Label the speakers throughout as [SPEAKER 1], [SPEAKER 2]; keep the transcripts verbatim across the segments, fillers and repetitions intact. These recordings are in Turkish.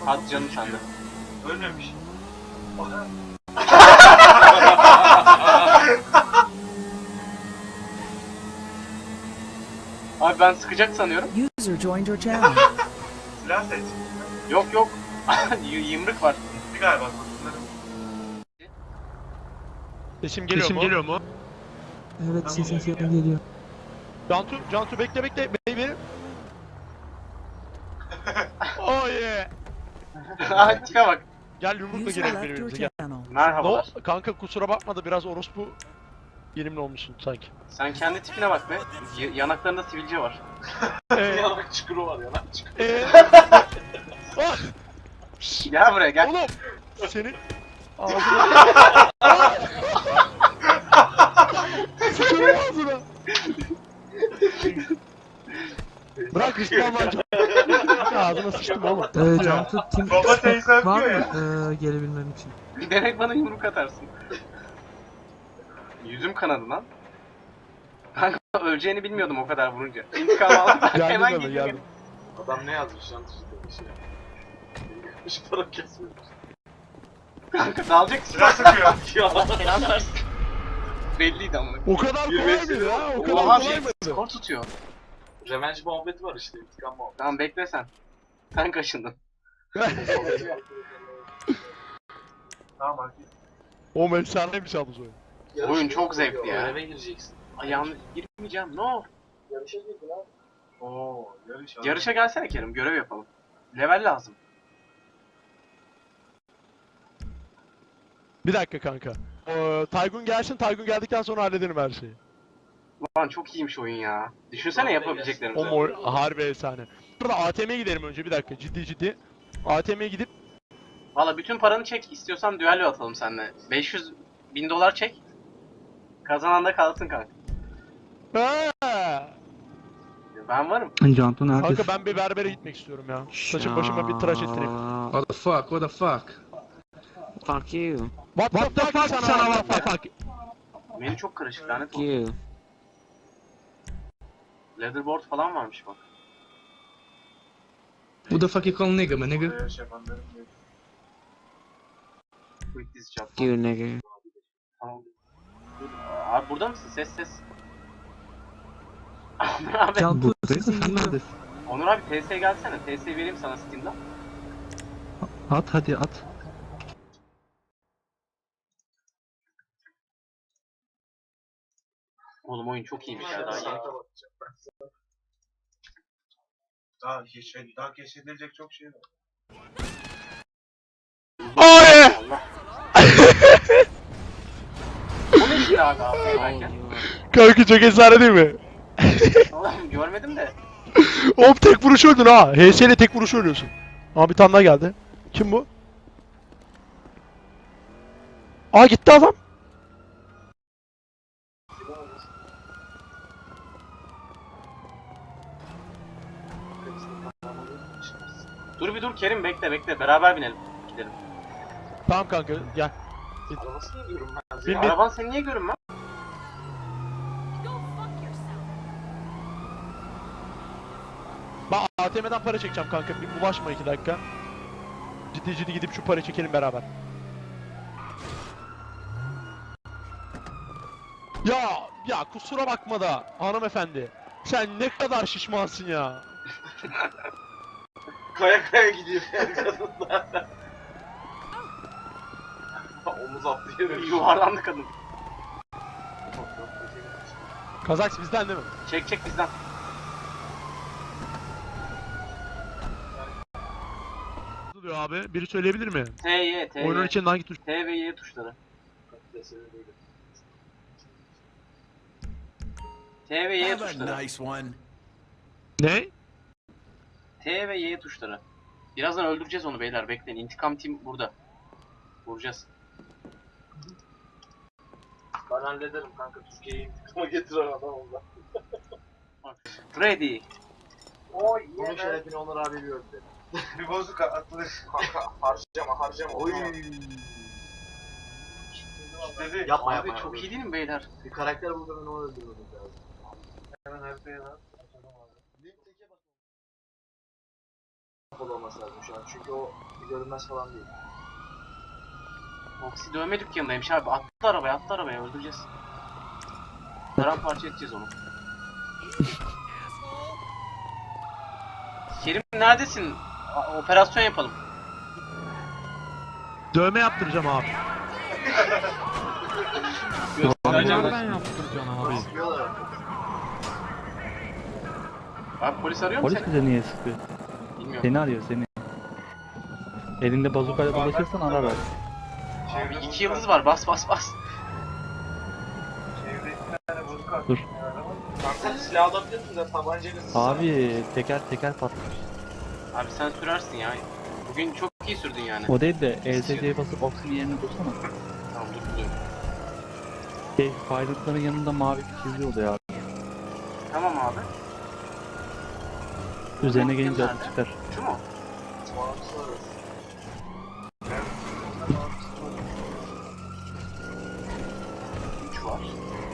[SPEAKER 1] Hadi canım sende.
[SPEAKER 2] Ölmemiş.
[SPEAKER 1] Abi ben sıkacak sanıyorum.
[SPEAKER 3] User joined your channel.
[SPEAKER 2] Silah seç.
[SPEAKER 1] Yok yok. Y- Yımrık var.
[SPEAKER 2] Bir galiba kurtulları.
[SPEAKER 4] Sesim geliyor
[SPEAKER 5] Sesim
[SPEAKER 4] mu?
[SPEAKER 5] geliyor mu?
[SPEAKER 6] Evet sesin sesin geliyor.
[SPEAKER 4] Cantu, Cantu bekle bekle baby. Oh yeah.
[SPEAKER 1] Aha tipe bak.
[SPEAKER 4] Gel yumrukla
[SPEAKER 3] User
[SPEAKER 4] girelim
[SPEAKER 3] left your
[SPEAKER 4] birbirimize gel.
[SPEAKER 3] channel.
[SPEAKER 4] No,
[SPEAKER 1] Merhabalar.
[SPEAKER 4] kanka kusura bakma da biraz orospu yerimli olmuşsun sanki.
[SPEAKER 1] Sen kendi tipine bak be. Y- yanaklarında sivilce var.
[SPEAKER 4] Eee
[SPEAKER 1] Yanak çukuru var yanak çukuru.
[SPEAKER 4] eee Ah!
[SPEAKER 1] Gel buraya gel.
[SPEAKER 4] Oğlum senin ağzına sıçarım ağzına. Bırak İslam lan. Ağzına sıçtım oğlum.
[SPEAKER 6] Ee, Cantu Team
[SPEAKER 2] Baba teyze
[SPEAKER 6] var mı
[SPEAKER 2] öpüyor
[SPEAKER 6] ee, gelebilmem için?
[SPEAKER 1] Demek bana yumruk atarsın. Yüzüm kanadı lan. Kanka öleceğini bilmiyordum o kadar vurunca. İntikam aldım.
[SPEAKER 4] Geldim
[SPEAKER 1] Hemen
[SPEAKER 4] hemen
[SPEAKER 1] geliyor.
[SPEAKER 4] geldim.
[SPEAKER 5] Adam ne yazmış lan tuşta bir şey. Şu para kesmiyor.
[SPEAKER 1] Kanka dalacak
[SPEAKER 2] Silah
[SPEAKER 1] silah.
[SPEAKER 2] sıkıyor.
[SPEAKER 1] Ya selam versin. Belliydi ama.
[SPEAKER 4] O kadar kolay mıydı ha? O kadar
[SPEAKER 1] Oha
[SPEAKER 4] kolay
[SPEAKER 1] bir
[SPEAKER 4] mıydı?
[SPEAKER 1] skor tutuyor.
[SPEAKER 5] Revenge muhabbeti var işte, intikam muhabbeti.
[SPEAKER 1] Tamam bekle sen. Sen kaşındın.
[SPEAKER 2] Tamam bak.
[SPEAKER 4] O efsaneymiş abi oyun.
[SPEAKER 1] Oyun çok zevkli ya.
[SPEAKER 5] Göreve gireceksin.
[SPEAKER 1] Ayağını girmeyeceğim. No.
[SPEAKER 5] Yarışa girdin abi.
[SPEAKER 2] Oo yarış.
[SPEAKER 1] Yarışa gelsene Kerim. Görev yapalım. Level lazım.
[SPEAKER 4] Bir dakika kanka. Ee, Taygun gelsin, Taygun geldikten sonra hallederim her şeyi.
[SPEAKER 1] Lan çok iyiymiş oyun ya. Düşünsene
[SPEAKER 5] Vallahi
[SPEAKER 4] O
[SPEAKER 1] yapabileceklerimizi.
[SPEAKER 4] mor harbi efsane. Burada A T M'ye gidelim önce bir dakika ciddi ciddi. A T M'ye gidip
[SPEAKER 1] Valla bütün paranı çek. İstiyorsan düello atalım seninle. beş yüz bin dolar çek. Kazanan da kalsın kanka.
[SPEAKER 4] Ha!
[SPEAKER 1] Ben varım.
[SPEAKER 6] Cantu neredesin?
[SPEAKER 4] Kanka ben bir berbere gitmek istiyorum ya. Saçım başıma bir tıraş ettireyim.
[SPEAKER 6] What the fuck, what the fuck?
[SPEAKER 7] Fuck you.
[SPEAKER 4] What,
[SPEAKER 6] What the fuck sana what the fuck?
[SPEAKER 1] Menü çok karışık lanet
[SPEAKER 7] Fuck
[SPEAKER 1] olsun.
[SPEAKER 7] you.
[SPEAKER 1] Leatherboard falan varmış bak.
[SPEAKER 6] Who the fuck you call nigga man nigga?
[SPEAKER 2] Yarış yapanların bir-
[SPEAKER 1] Quick dizi çap.
[SPEAKER 7] Fuck you, nigga.
[SPEAKER 1] Tamam. Dur, Abi burada mısın? Ses ses. Onur abi.
[SPEAKER 6] Cantu buradayım da sen neredesin?
[SPEAKER 1] Onur abi T S gelsene. T S vereyim sana Steam'den.
[SPEAKER 6] At hadi at.
[SPEAKER 1] Oğlum oyun çok iyiymiş ya daha yeni.
[SPEAKER 2] Daha keşfedilecek, daha keşfedilecek çok şey var.
[SPEAKER 4] Ay!
[SPEAKER 1] Allah. Bu ne şimdi abi abi? Belki.
[SPEAKER 4] Kanka çok efsane değil mi?
[SPEAKER 1] Oğlum görmedim de.
[SPEAKER 4] Hop tek vuruş öldün ha. H S ile tek vuruş ölüyorsun. Aa bir tane daha geldi. Kim bu? Aa gitti adam.
[SPEAKER 1] Dur bir dur Kerim bekle bekle. Beraber binelim. Gidelim.
[SPEAKER 4] Tamam kanka gel.
[SPEAKER 5] Arabasını yiyorum ben.
[SPEAKER 4] Bin bin.
[SPEAKER 1] Araban seni niye görünmez?
[SPEAKER 4] Ben A T M'den para çekeceğim kanka. Bir bulaşma iki dakika. Ciddi ciddi gidip şu parayı çekelim beraber. Ya ya kusura bakma da hanımefendi. Sen ne kadar şişmansın ya.
[SPEAKER 5] Kaya kaya gidiyor yani kadınlar. Omuz atlıyor.
[SPEAKER 1] Yuvarlandı kadın.
[SPEAKER 4] Kazaks bizden değil mi?
[SPEAKER 1] Çek çek bizden.
[SPEAKER 4] Ne diyor abi? Biri söyleyebilir mi?
[SPEAKER 1] T, Y, T,
[SPEAKER 4] Oyunun
[SPEAKER 1] Y.
[SPEAKER 4] içinde hangi tuş?
[SPEAKER 1] T ve Y tuşları. T ve Y tuşları.
[SPEAKER 4] Ne?
[SPEAKER 1] T ve Y tuşları. Birazdan öldüreceğiz onu beyler bekleyin. İntikam team burada. Vuracağız.
[SPEAKER 5] Ben hallederim kanka, Türkiye'yi intikama getiren adam oldu.
[SPEAKER 1] Ready.
[SPEAKER 5] Oy bunun şerefini Onur abi biliyor dedi.
[SPEAKER 2] Bir bozuk atılır.
[SPEAKER 5] Kanka harcama harcama.
[SPEAKER 2] Oy.
[SPEAKER 5] Oy.
[SPEAKER 2] Dedi.
[SPEAKER 5] Yapma
[SPEAKER 1] Abi
[SPEAKER 5] yapma.
[SPEAKER 1] çok iyi değil mi beyler?
[SPEAKER 5] Bir karakter buldu, ben onu öldürmedim lazım.
[SPEAKER 2] Hemen haritaya lan.
[SPEAKER 5] kapalı olması lazım şu an. Çünkü o görünmez falan değil.
[SPEAKER 1] Oksi dövme dükkanındaymış abi. Attı arabaya, attı arabaya. Öldüreceğiz. Paramparça edeceğiz onu. Kerim neredesin? A- operasyon yapalım.
[SPEAKER 4] Dövme yaptıracağım abi.
[SPEAKER 1] Göstereceğim.
[SPEAKER 3] Nereden yaptıracaksın abi?
[SPEAKER 5] Sıkıyorlar.
[SPEAKER 1] Abi polis arıyor mu
[SPEAKER 8] Polis
[SPEAKER 1] seni?
[SPEAKER 8] bize niye sıkıyor?
[SPEAKER 1] Bilmiyorum.
[SPEAKER 8] Seni arıyor seni. Elinde bazukayla dolaşırsan arar ver.
[SPEAKER 1] Abi iki yıldız var. Bas bas bas.
[SPEAKER 2] Çevresinde bozuk at.
[SPEAKER 8] Dur.
[SPEAKER 5] Kanka silah alabilir misin de tabancayla sıksana.
[SPEAKER 8] Abi teker teker patlamış.
[SPEAKER 1] Abi sen sürersin ya. Bugün çok iyi sürdün yani.
[SPEAKER 8] O değil de E S C'ye basıp oksijen yerini bulsana.
[SPEAKER 1] Tamam dur dur.
[SPEAKER 8] Şey, faydalıkların yanında mavi bir çizgi oluyor abi.
[SPEAKER 1] Tamam abi.
[SPEAKER 8] Üzerine gelince
[SPEAKER 1] Nerede?
[SPEAKER 8] adı çıkar.
[SPEAKER 1] Şu mu?
[SPEAKER 5] Bağımsız arası.
[SPEAKER 1] üç var.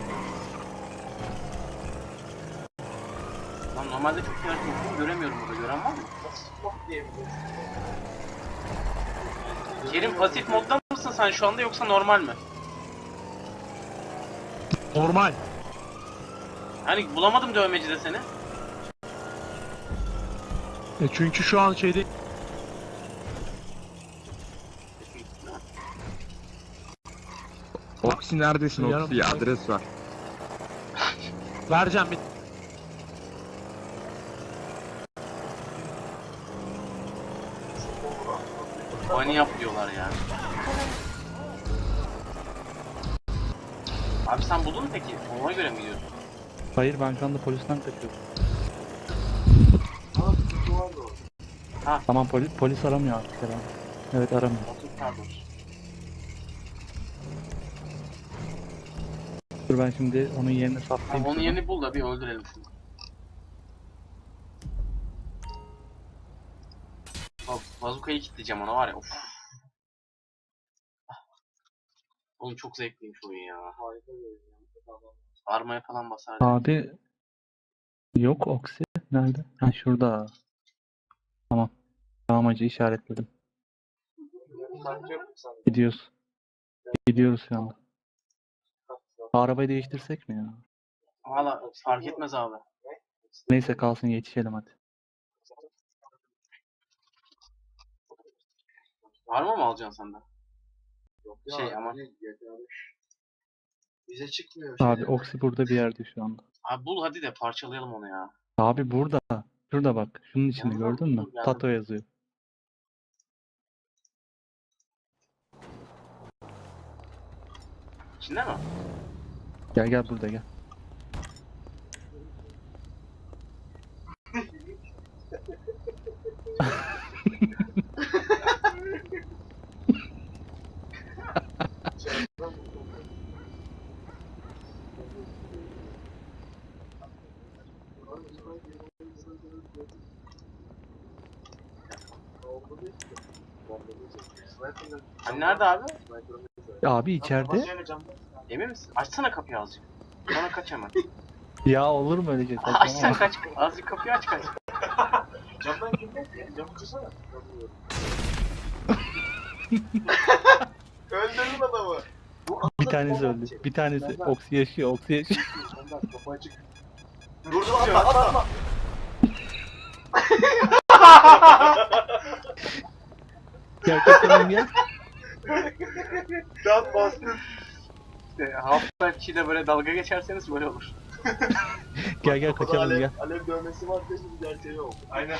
[SPEAKER 1] Lan normalde çok yaratıcı göremiyorum burada. Gören var mı?
[SPEAKER 5] Sıkmak diyebiliriz.
[SPEAKER 1] Kerim pasif modda mısın sen şu anda yoksa normal mi?
[SPEAKER 4] Normal.
[SPEAKER 1] Hani bulamadım dövmecide seni.
[SPEAKER 4] E çünkü şu an şeyde
[SPEAKER 9] Oksi neredesin
[SPEAKER 4] Yarım-
[SPEAKER 9] Oksi? Adres var.
[SPEAKER 4] vereceğim bir.
[SPEAKER 1] Bani yap diyorlar ya. Abi sen buldun mu peki? Ona göre mi gidiyorsun?
[SPEAKER 8] Hayır ben şu anda polisten kaçıyorum.
[SPEAKER 5] Ama sıkıntı var da orada.
[SPEAKER 8] Tamam polis polis aramıyor artık herhalde. Evet aramıyor.
[SPEAKER 1] Otur pardon.
[SPEAKER 8] Dur ben şimdi onun yerini
[SPEAKER 1] Tamam,
[SPEAKER 8] saptayım.
[SPEAKER 1] onun
[SPEAKER 8] şuradan.
[SPEAKER 1] yerini bul da bir öldürelim şunu. Bak bazukayı kilitleyeceğim ona var ya of. Oğlum çok zevkliymiş oyun ya.
[SPEAKER 5] Harika görünüyor. Tamam.
[SPEAKER 1] Armaya falan basar.
[SPEAKER 8] Abi yok oksi. Nerede? Ha şurada. Tamam. Tamam hacı işaretledim.
[SPEAKER 5] Bence yok mu sende?
[SPEAKER 8] Gidiyoruz. Gidiyoruz şu anda. Arabayı değiştirsek mi ya?
[SPEAKER 1] Valla fark etmez abi.
[SPEAKER 8] Neyse kalsın yetişelim hadi.
[SPEAKER 1] Var mı mı alacaksın sen de?
[SPEAKER 5] Yok
[SPEAKER 1] Şey
[SPEAKER 5] ya,
[SPEAKER 1] ama-
[SPEAKER 5] ne yetermiş. Bize çıkmıyor
[SPEAKER 8] Abi
[SPEAKER 5] şey.
[SPEAKER 8] oksi burada bir yerde şu anda.
[SPEAKER 1] Abi bul hadi de parçalayalım onu ya.
[SPEAKER 8] Abi burada. Şurada bak. Şunun içinde
[SPEAKER 1] Yanına
[SPEAKER 8] gördün mü?
[SPEAKER 1] dur, geldim.
[SPEAKER 8] Tato yazıyor.
[SPEAKER 1] İçinde mi?
[SPEAKER 8] Gel gel burada gel.
[SPEAKER 1] Hani nerede abi?
[SPEAKER 8] Abi içeride.
[SPEAKER 1] Emin misin? Açsana kapıyı azıcık. Sonra kaç hemen.
[SPEAKER 8] Ya olur mu öyle şey?
[SPEAKER 1] Aç sen
[SPEAKER 8] Saçmalama.
[SPEAKER 1] kaç. Azıcık kapıyı aç kaç.
[SPEAKER 5] Camdan girmek ya. Camı kırsana. Öldürdün adamı.
[SPEAKER 8] Bir tanesi öldü. Bir tanesi oksi yaşıyor. Oksi yaşıyor.
[SPEAKER 5] Ondan kapı açık. Vurdum atma atma atma.
[SPEAKER 8] Gel kaçalım gel.
[SPEAKER 5] Can bastın.
[SPEAKER 1] İşte Half-Life ile böyle dalga geçerseniz böyle olur.
[SPEAKER 8] Gel gel kaçalım
[SPEAKER 5] alev,
[SPEAKER 8] gel.
[SPEAKER 5] Alev dövmesi var diye şimdi gerçeği oldu.
[SPEAKER 2] Aynen.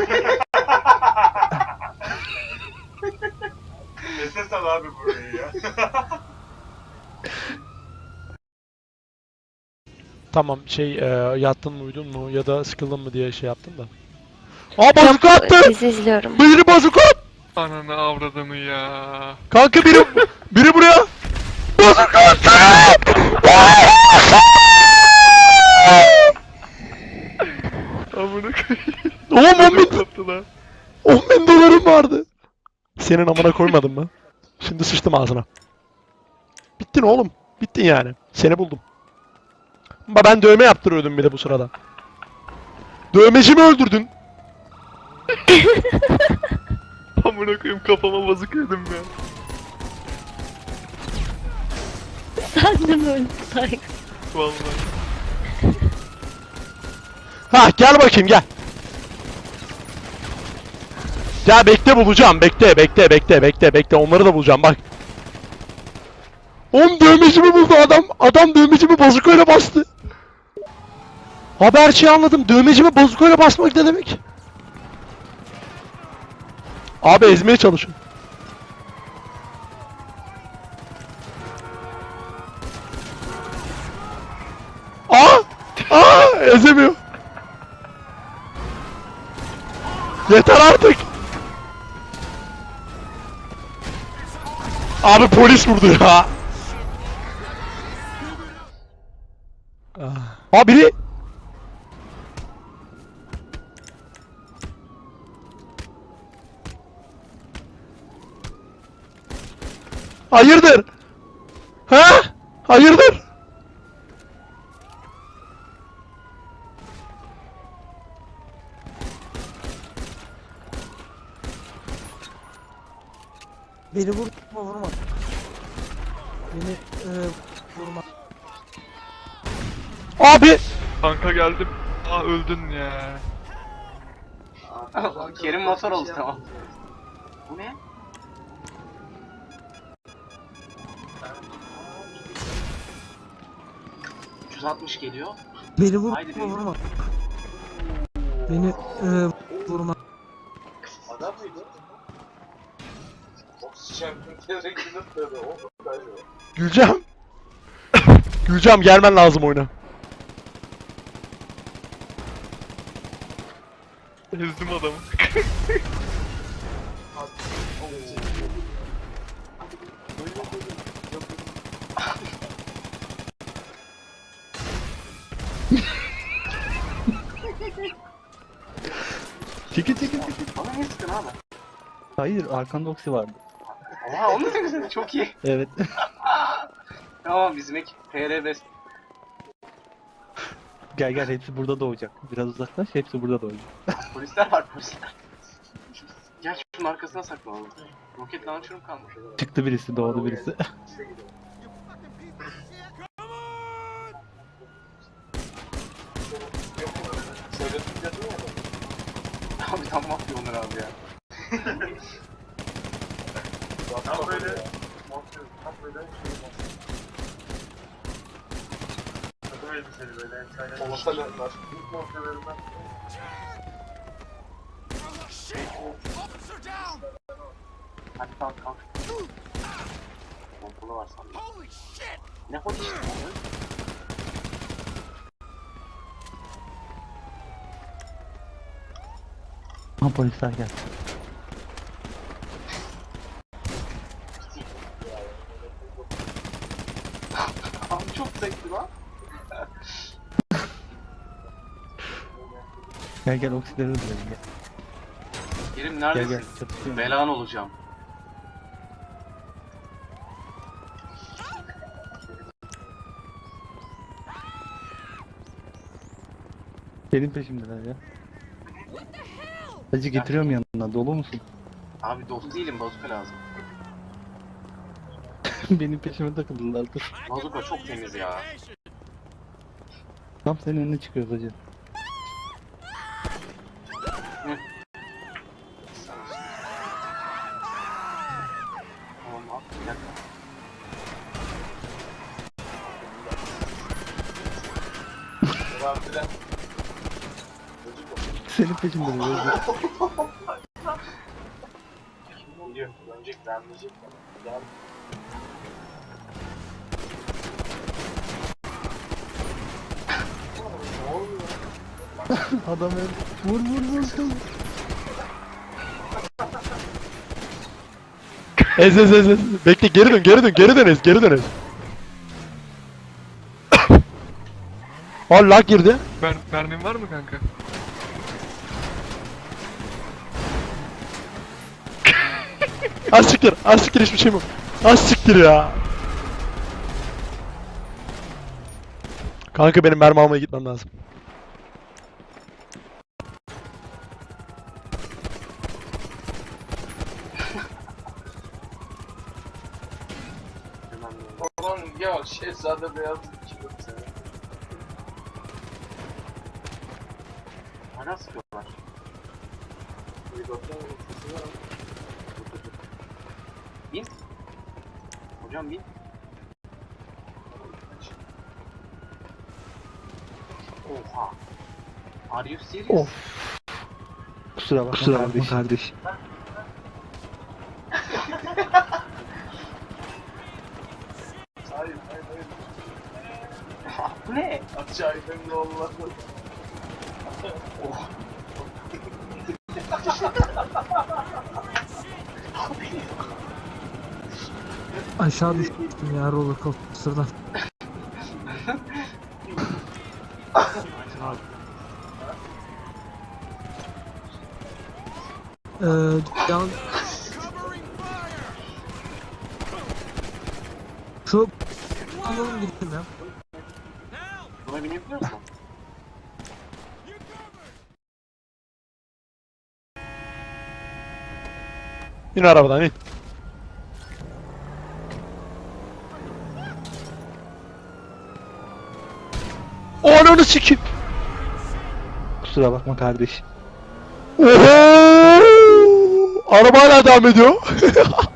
[SPEAKER 2] Esas al abi burayı ya.
[SPEAKER 4] Tamam şey e, yattın mı uyudun mu ya da sıkıldın mı diye şey yaptım da. Aa bazuka attı!
[SPEAKER 10] Dizi izliyorum.
[SPEAKER 4] Biri bazuka at!
[SPEAKER 3] Ananı avradını ya.
[SPEAKER 4] Kanka biri biri buraya! Bazuka attı!
[SPEAKER 3] Amına koyayım.
[SPEAKER 4] Oğlum on bin,
[SPEAKER 3] Koptu lan.
[SPEAKER 4] on bin dolarım vardı. Senin amına koymadın mı? Şimdi sıçtım ağzına. Bittin oğlum. Bittin yani. Seni buldum. Ba ben dövme yaptırıyordum bir de bu sırada. Dövmeci mi öldürdün?
[SPEAKER 3] Amına koyayım kafama bazık yedim ya.
[SPEAKER 9] Sen de mi öyle say?
[SPEAKER 3] Vallahi.
[SPEAKER 4] Ha gel bakayım gel. Ya bekle bulacağım. Bekle bekle bekle bekle bekle. Onları da bulacağım bak. Oğlum dövmecimi buldu adam. Adam dövmecimi bazukayla bastı. Abi her şeyi anladım. Dövmecimi bazukayla basmak ne demek? Abi ezmeye çalışın. Aa! Aa! Ezemiyor. Yeter artık. Abi polis vurdu ya. Aa biri. Hayırdır? Ha? Hayırdır?
[SPEAKER 10] Beni vurma vurma. Beni e, vurma.
[SPEAKER 4] Abi.
[SPEAKER 3] Kanka geldim. Aa öldün ya.
[SPEAKER 1] Kerim motor oldu tamam. Bu ne? üç yüz altmış geliyor.
[SPEAKER 10] Beni vurma
[SPEAKER 1] Haydi beni.
[SPEAKER 10] vurma. Beni e, vurma.
[SPEAKER 5] Adam mıydı? Oksijen gerekli böyle o kadar.
[SPEAKER 4] Gülcem. Gülcem gelmen lazım oyuna.
[SPEAKER 3] Ezdim adamı.
[SPEAKER 8] Çekil çekil çekil.
[SPEAKER 1] Bana niye sıkın abi?
[SPEAKER 8] Hayır arkanda oksi vardı.
[SPEAKER 1] Oha onu da güzel çok iyi.
[SPEAKER 8] Evet.
[SPEAKER 1] Tamam bizim ekip P R best.
[SPEAKER 8] Gel gel hepsi burada doğacak. Biraz uzaklaş hepsi burada doğacak.
[SPEAKER 1] Polisler var polisler. Gel şunun arkasına saklanalım. Roket launcher'ım kalmış.
[SPEAKER 8] Çıktı birisi doğdu birisi.
[SPEAKER 1] Abi tam mafya Onur abi ya.
[SPEAKER 5] Tam böyle tam böyle şey takım elbiseli böyle efsane. Olsalarlar. İlk montelerinden.
[SPEAKER 1] Hadi kalk kalk. Pompalı var sandım. Ne hoş işte.
[SPEAKER 8] Ha polisler geldi.
[SPEAKER 1] Abi çok zevkli lan.
[SPEAKER 8] Gel gel oksileri öldürelim gel.
[SPEAKER 1] Kerim
[SPEAKER 8] Gel
[SPEAKER 1] neredesin?
[SPEAKER 8] gel çatışıyorum.
[SPEAKER 1] Belan olacağım.
[SPEAKER 8] Senin peşimdeler ya. Hacı getiriyorum yanına dolu musun?
[SPEAKER 1] Abi dost değilim bazuka lazım.
[SPEAKER 8] Benim peşime takıldılar dur.
[SPEAKER 1] Bazuka çok temiz ya.
[SPEAKER 8] Tam senin önüne çıkıyoruz hacı.
[SPEAKER 1] Tamam abi bir dakika.
[SPEAKER 5] Var filan.
[SPEAKER 8] Senin peşimdeler hacı.
[SPEAKER 5] Geliyor. Önceki vermeyecek. Gel.
[SPEAKER 8] Adam öldü. Vur vur vur. vur.
[SPEAKER 4] Ez ez ez ez. Bekle geri dön geri dön geri dön ez geri dön ez. Allah girdi.
[SPEAKER 3] Mer mermin var mı kanka?
[SPEAKER 4] Az siktir az siktir hiçbir şey yok. Az siktir ya. Kanka benim mermi almaya gitmem lazım.
[SPEAKER 5] Şehzade beyaz çıkıyor sana.
[SPEAKER 1] Hala sıkıyorlar.
[SPEAKER 5] Helikopter sesi var.
[SPEAKER 1] Bin. Hocam bin. Oha. Are you serious?
[SPEAKER 4] Of. Kusura bakma
[SPEAKER 6] Kusura bakma
[SPEAKER 4] kardeşim.
[SPEAKER 6] kardeş.
[SPEAKER 5] Hayır hayır hayır.
[SPEAKER 1] Bu ne?
[SPEAKER 5] Aşağı inen yollar.
[SPEAKER 1] Oh.
[SPEAKER 10] Aşağı düştüm ya roller coaster'dan. Eee yan... Şu... Alalım gidelim ya.
[SPEAKER 1] Buna binebiliyor musun?
[SPEAKER 4] İn arabadan in. Ananı sikeyim.
[SPEAKER 6] Kusura bakma kardeş.
[SPEAKER 4] Oho! Araba hala devam ediyor.